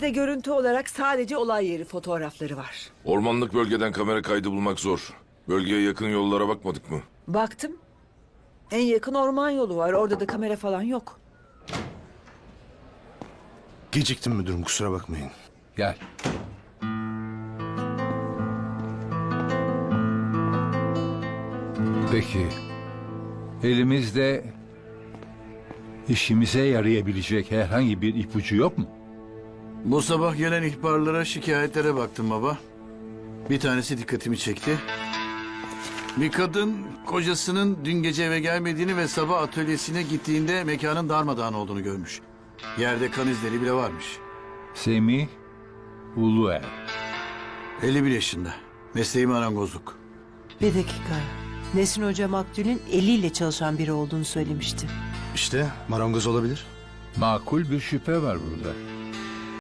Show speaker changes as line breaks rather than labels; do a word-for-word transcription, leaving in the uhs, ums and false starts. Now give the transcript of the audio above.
de görüntü olarak sadece olay yeri fotoğrafları var.
Ormanlık bölgeden kamera kaydı bulmak zor. Bölgeye yakın yollara bakmadık mı?
Baktım. En yakın orman yolu var. Orada da kamera falan yok.
Geciktim müdürüm, kusura bakmayın.
Gel. Peki. Elimizde işimize yarayabilecek herhangi bir ipucu yok mu?
Bu sabah gelen ihbarlara, şikayetlere baktım baba. Bir tanesi dikkatimi çekti. Bir kadın kocasının dün gece eve gelmediğini ve sabah atölyesine gittiğinde mekanın darmadağın olduğunu görmüş. Yerde kan izleri bile varmış.
Semih Uluer.
elli bir yaşında. Mesleği marangozluk.
Bir dakika. Nesin Hoca maktulün eliyle çalışan biri olduğunu söylemişti.
İşte marangoz olabilir.
Makul bir şüphe var burada.